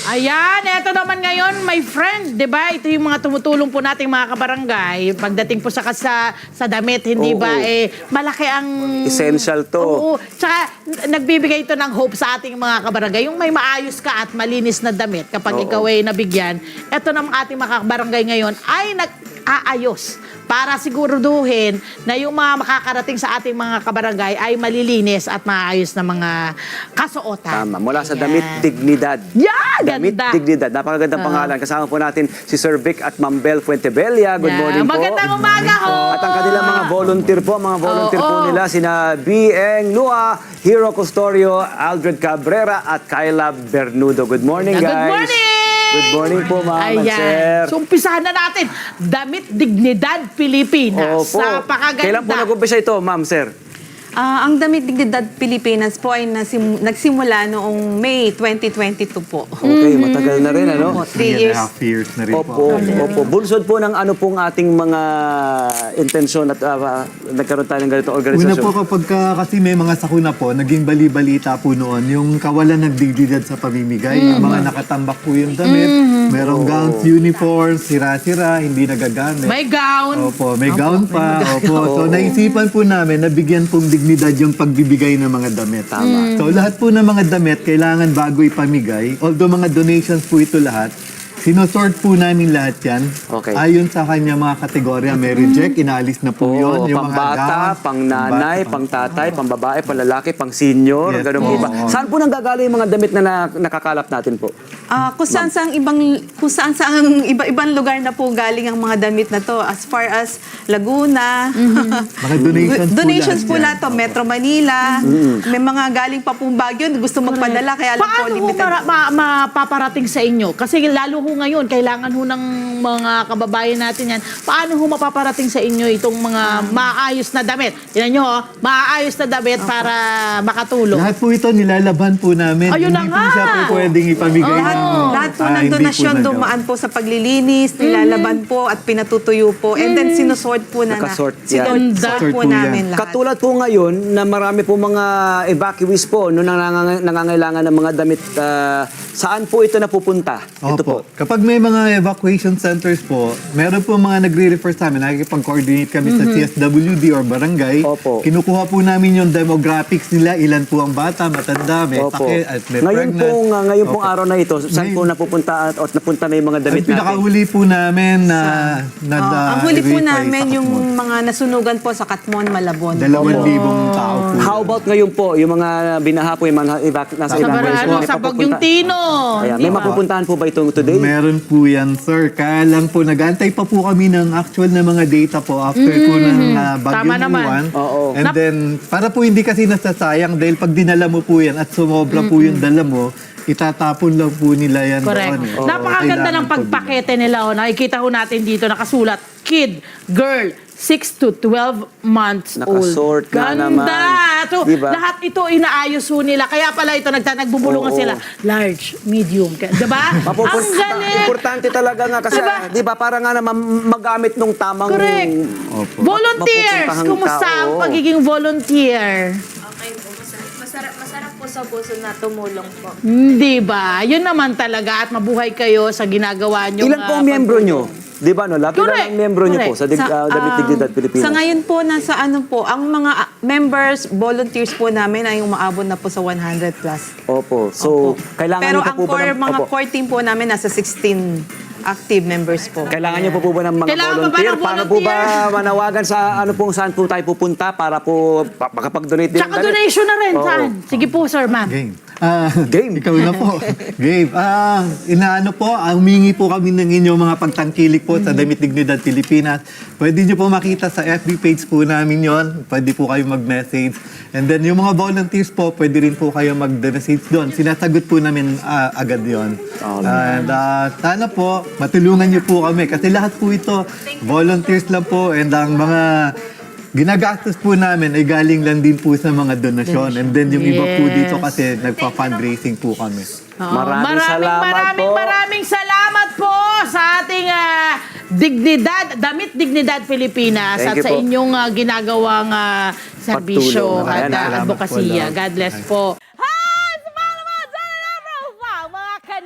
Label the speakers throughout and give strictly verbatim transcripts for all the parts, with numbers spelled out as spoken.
Speaker 1: Ayan, eto naman ngayon, my friend, di ba? Ito yung mga tumutulong po nating mga kabarangay. Pagdating po sa sa, sa damit, hindi
Speaker 2: Oo.
Speaker 1: ba, eh, malaki ang...
Speaker 2: Essential to.
Speaker 1: Oo. Tsaka, nagbibigay ito ng hope sa ating mga kabarangay. Yung may maayos ka at malinis na damit kapag
Speaker 2: Oo.
Speaker 1: ikaw ay nabigyan. Eto naman ating mga kabarangay ngayon ay nag-aayos para siguraduhin na yung mga makakarating sa ating mga kabarangay ay malilinis at maayos na mga kasuotan.
Speaker 2: Tama. Mula sa
Speaker 1: Ayan.
Speaker 2: damit, dignidad.
Speaker 1: Yeah,
Speaker 2: Damit,
Speaker 1: ganda.
Speaker 2: dignidad. Napakagandang
Speaker 1: Oo.
Speaker 2: pangalan. Kasama po natin si Sir Vic at Ma'am Bel Fuentebella. Good
Speaker 1: Yeah.
Speaker 2: morning po.
Speaker 1: Magandang umaga ho.
Speaker 2: At ang kanilang mga volunteer po, mga volunteer
Speaker 1: Oo.
Speaker 2: po nila, sina B. Eng Lua, Hero Custodio, Aldred Cabrera, at Kyla Bernudo. Good morning,
Speaker 1: Good
Speaker 2: guys.
Speaker 1: morning!
Speaker 2: Good morning po, ma'am and sir.
Speaker 1: Ayan. So, umpisahan na natin. Damit, dignidad, Pilipinas.
Speaker 2: Opo.
Speaker 1: Napakaganda.
Speaker 2: Kailan po nag-umpisa ito, ma'am, sir?
Speaker 3: Ah, ang Damit Dignidad Pilipinas po ay nasim- nagsimula noong May twenty twenty-two po.
Speaker 2: Okay, matagal na rin, ano?
Speaker 3: Opo,
Speaker 4: Three
Speaker 3: three
Speaker 4: and a
Speaker 3: years.
Speaker 4: half years na rin
Speaker 2: Opo,
Speaker 4: po.
Speaker 2: opo. Bunsod po ng ano pong ating mga intensyon at uh, nagkaroon tayo ng ganitong
Speaker 4: Una
Speaker 2: organisasyon.
Speaker 4: po kapag ka, kasi may mga sakuna po, naging bali-balita po noon, yung kawalan ng dignidad sa pamimigay. Yung mga nakatambak po yung damit, merong gowns, uniforms, sira-sira, hindi nagagamit.
Speaker 1: May gown.
Speaker 4: Opo, may gown pa. Opo. So naisipan po namin na bigyan pong dignidad yung pagbibigay ng mga damit.
Speaker 2: Tama.
Speaker 4: So lahat po ng mga damit kailangan bago ipamigay. Although mga donations po ito lahat, sinosort po namin lahat yan.
Speaker 2: Okay.
Speaker 4: Ayon sa kanya mga kategorya. May reject, inaalis na po
Speaker 2: Oo,
Speaker 4: yun. Yung
Speaker 2: pang
Speaker 4: mga
Speaker 2: bata,
Speaker 4: gowns,
Speaker 2: pang nanay,
Speaker 4: bata,
Speaker 2: pang tatay, pang babae, pang lalaki, pang senior,
Speaker 4: Yes,
Speaker 2: ganun po
Speaker 4: oo.
Speaker 2: ba? Saan po nanggagaling yung mga damit na, na nakakalap natin po?
Speaker 3: Ah, kung saan saang ibang kung saan saang iba-ibang lugar na po galing ang mga damit na to, as far as Laguna.
Speaker 4: Mga donations po
Speaker 3: Donations po
Speaker 4: lahat
Speaker 3: lahat to, Metro Manila. May mga galing pa pong Baguio gusto magpadala kaya lang po
Speaker 1: Paano ho
Speaker 3: limited.
Speaker 1: mara- ma- mapaparating sa inyo? Kasi lalo ho ngayon, kailangan ho ng mga kababayan natin yan. Paano ho mapaparating sa inyo itong mga maayos na damit? Yan nyo ho, maayos na damit para makatulong.
Speaker 4: Lahat po ito nilalaban po namin.
Speaker 1: Ayun na
Speaker 4: Hindi
Speaker 1: nga.
Speaker 4: po siya po pwedeng ipamigay.
Speaker 3: Lahat,
Speaker 4: ng-
Speaker 3: lahat po
Speaker 4: ah,
Speaker 3: ng
Speaker 4: hindi po
Speaker 3: donasyon
Speaker 4: nagawa.
Speaker 3: dumaan po sa paglilinis, nilalaban po at pinatutuyo po. And then sinusort po na, na
Speaker 2: Nakasort yan.
Speaker 3: sinusort
Speaker 4: Sort
Speaker 3: po
Speaker 4: po yan.
Speaker 3: namin lahat.
Speaker 2: Katulad po ngayon na marami po mga evacuees po no, na nangang- nangangailangan ng mga damit. ah, saan po ito napupunta? Ito po.
Speaker 4: Opo. Kapag may mga evacuation centers po, meron po mga nagre-refer sa amin, nakikipag-coordinate kami sa C S W D or barangay.
Speaker 2: Opo.
Speaker 4: Kinukuha po namin yung demographics nila, ilan po ang bata, matanda, may
Speaker 2: Opo.
Speaker 4: sakit, at may
Speaker 2: Ngayon
Speaker 4: pregnant.
Speaker 2: pong, ah, ngayon pong
Speaker 4: Opo.
Speaker 2: araw na ito, saan po
Speaker 4: Ngayon-
Speaker 2: napupunta at, at napunta na yung mga damit
Speaker 4: Ang
Speaker 2: natin?
Speaker 4: pinakahuli po namin na, na,
Speaker 3: Ah,
Speaker 4: na
Speaker 3: ang huli po
Speaker 4: i-verify
Speaker 3: namin
Speaker 4: sa
Speaker 3: yung
Speaker 4: Katmon.
Speaker 3: mga nasunugan po sa Katmon, Malabon.
Speaker 4: Dalawang
Speaker 2: Opo.
Speaker 4: libong tao po.
Speaker 2: How about ngayon po, yung mga binaha po, yung mga evac- nasa
Speaker 1: Sa
Speaker 2: evacuation,
Speaker 1: Barano,
Speaker 2: may
Speaker 1: sa
Speaker 2: papupunta-
Speaker 1: Bagyong Tino.
Speaker 2: Ayan,
Speaker 1: Di
Speaker 2: may
Speaker 1: ba?
Speaker 2: mapupuntahan po ba itong today?
Speaker 4: Meron po yan, sir. Kaya lang po, nag-antay pa po kami ng actual na mga data po after po ng uh,
Speaker 1: Tama
Speaker 4: Bagyong
Speaker 1: naman.
Speaker 4: Juan.
Speaker 2: Oo.
Speaker 4: And
Speaker 1: Nap-
Speaker 4: then, para po hindi kasi nasasayang dahil pag dinala mo po yan at sumobra po yung dala mo, itatapon lang po nila yan
Speaker 1: Correct.
Speaker 4: doon. eh.
Speaker 1: Napakaganda
Speaker 4: Kailangan
Speaker 1: ng
Speaker 4: po
Speaker 1: pagpakete nila. Oh. Nakikita ho natin dito, nakasulat, kid, girl, six to twelve months
Speaker 2: Nakasort
Speaker 1: old.
Speaker 2: na
Speaker 1: Ganda!
Speaker 2: naman.
Speaker 1: So,
Speaker 2: Diba?
Speaker 1: lahat ito inaayos ho nila. Kaya pala ito, nagta- nagbubulungan
Speaker 2: Oo.
Speaker 1: sila. Large, medium. Diba?
Speaker 2: Mapupun-
Speaker 1: Ang galing!
Speaker 2: Importante talaga nga kasi,
Speaker 1: Diba?
Speaker 2: di ba, para nga naman magamit nung tamang...
Speaker 1: Correct.
Speaker 4: Opo.
Speaker 1: Volunteers!
Speaker 2: Mapupuntahang
Speaker 1: Kumusta ang
Speaker 2: tao.
Speaker 1: pagiging volunteer?
Speaker 5: Okay po, masarap, masarap, masarap po sa puso na tumulong po.
Speaker 1: Hindi ba? Yun naman talaga at mabuhay kayo sa ginagawa nyo.
Speaker 2: Ilan po ang miyembro nyo? Di ba, no? Lapit
Speaker 1: Correct.
Speaker 2: ang miyembro nyo po
Speaker 1: Correct.
Speaker 2: sa, dig,
Speaker 3: Sa,
Speaker 2: uh, Damit
Speaker 3: ah,
Speaker 2: Dignidad Pilipinas.
Speaker 3: Sa ngayon po, nasa ano po, ang mga ah, members, volunteers po namin ay umaabot na po sa one hundred plus.
Speaker 2: Opo. So,
Speaker 3: Opo.
Speaker 2: kailangan
Speaker 3: Pero
Speaker 2: nyo
Speaker 3: ang
Speaker 2: po po ba
Speaker 3: core,
Speaker 2: ng...
Speaker 3: mga
Speaker 2: Opo.
Speaker 3: core team po namin nasa sixteen active members po.
Speaker 2: Kailangan nyo po po ba ng mga
Speaker 1: Kailangan pa ba
Speaker 2: volunteer?
Speaker 1: ng
Speaker 2: Paano po ba
Speaker 1: volunteer?
Speaker 2: manawagan sa ano pong saan po tayo pupunta para po pa- makapag-donate din ng
Speaker 1: Tsaka
Speaker 2: damit?
Speaker 1: donation na rin.
Speaker 2: Oo.
Speaker 1: Saan? Sige po, sir, ma'am.
Speaker 4: Game. Ah,
Speaker 2: Game.
Speaker 4: Ikaw na po. Game. Ah, inaano po, ah, humingi po kami ng inyong mga pagtangkilik po sa Damit Dignidad Pilipinas. Pwede nyo po makita sa F B page po namin yon. Pwede po kayo mag-message. And then yung mga volunteers po, pwede rin po kayo mag-message doon. Sinasagot po namin ah, agad yon. And ah, sana po, matulungan nyo po kami. Kasi lahat po ito, volunteers lang po. And ang mga ginagastos po namin ay galing lang din po sa mga donasyon. And then yung iba po
Speaker 1: Yes.
Speaker 4: dito kasi nagpa-fundraising po kami.
Speaker 1: Oo.
Speaker 2: Maraming salamat
Speaker 1: maraming,
Speaker 2: po.
Speaker 1: Maraming salamat po sa ating ah, dignidad, Damit Dignidad Pilipinas
Speaker 2: Thank
Speaker 1: at
Speaker 2: you
Speaker 1: sa
Speaker 2: po.
Speaker 1: inyong ah, ginagawang ah, serbisyo
Speaker 2: Patulong.
Speaker 1: at
Speaker 2: Ayan,
Speaker 1: ah,
Speaker 4: salamat
Speaker 1: advokasya.
Speaker 4: po, Lord.
Speaker 1: God bless po. Hi! Sa mga naman, sa mga mga kanet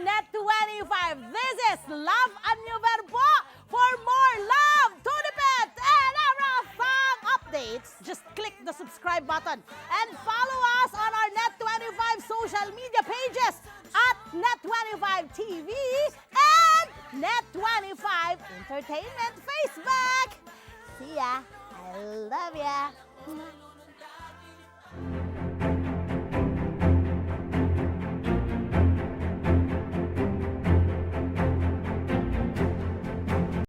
Speaker 1: twenty-five. This is Love and New Verbo. For more love, Tunipet, and everything updates, just click the subscribe button and follow us on our Net twenty-five social media pages at Net twenty-five T V and Net twenty-five Entertainment Facebook. See ya. I love ya.